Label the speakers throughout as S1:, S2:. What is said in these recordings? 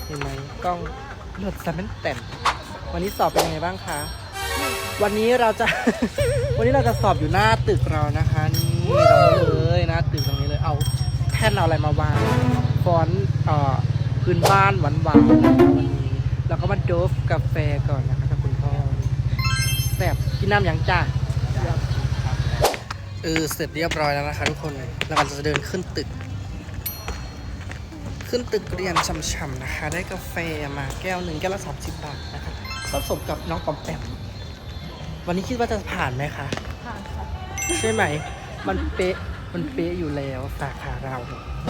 S1: เห็นไหมกล้องเลือดซัมเปนแต่นวันนี้สอบเป็นยังไงบ้างคะวันนี้เราจะ วันนี้เราจะสอบอยู่หน้าตึกเรานะคะนี่ตรงนี้เลยหน้าตึกตรงนี้เลยเอาแท่นเอาอะไรมาวางฟอนต์พื้นบ้านหวานๆนะคะวันนี้แล้วก็มาโดฟกาแฟก่อนนะคะกับคุณพ่อแบบกินน้ำอย่างจ้าเสร็จเรียบร้อยแล้วนะคะทุกคนเรากำลังจะเดินขึ้นตึกเรียนช่ำๆนะคะได้กาแฟมาแก้วหนึ่งแก้วละ30 บาทนะคะผสมกับน้องปอมแปมวันนี้คิดว่าจะผ่านไหมคะผ่านค่ะใช่ไหมมันเป๊ะอยู่แล้วสาขาเรา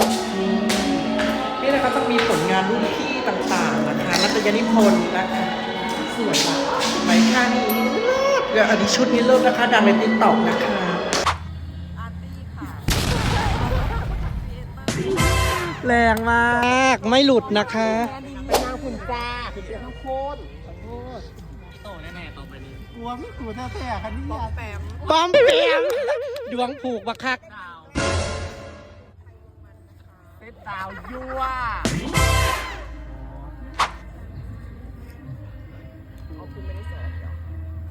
S1: นี่นะครับต้องมีผลงานรุ่นพี่ต่างๆนะคะนัตยนิพนธ์นะคะสวยมากไหมค่านี้เดี๋ยวอันนี้ชุดนี้เริ่มนะคะดังในติ๊กต็อกนะคะแรงมากไม่หลุดนะคะ
S2: เป็นนางขุนจ้าขุนเสียทั้งโคนขอโทษ
S3: โตแน่ๆต่อไปนี้
S2: กลัวไม่กลัวแท้ๆคันนี้ปอมแปม
S1: ดวงผูกบักคัก
S2: เป็นดาวยั่วเอาคุณไม่ได้สอบเหรอ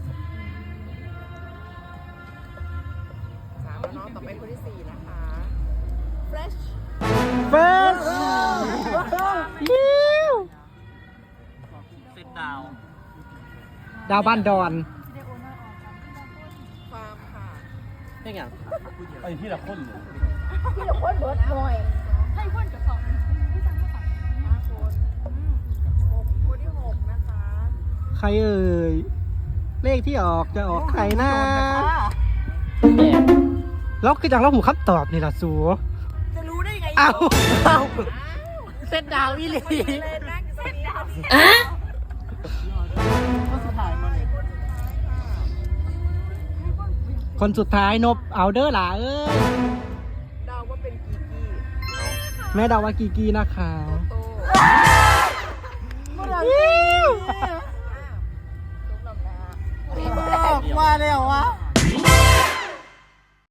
S2: 3แล้วเนาะต่อไปคนที่4นะคะ fresh
S1: เฟิร์ส
S3: เซตดาว
S1: ดาวบ้านดอน
S2: ฟาร์มค่ะ
S1: นี่ไง
S3: ไอ้ที่ละคนเลย
S2: ที่เดี๋ยวคนเบิร์ดหน่อยให้คนกับ2ที่จำได้ค่ะ5 คนคนที่6นะคะ
S1: ใครเอ่ยเลขที่ออกจะออกใครนะแล้วคือจังเราหูคำตอบนี่ล่ะสู
S2: จะรู้ได้ไง
S1: เอาเส้นดาวอีหลีคนสุดท้ายนบเอาเด้อหล่ะ
S2: เดาว่าเป็นกีกี้
S1: แม่เดาว่ากีกี้นะคะ
S2: โต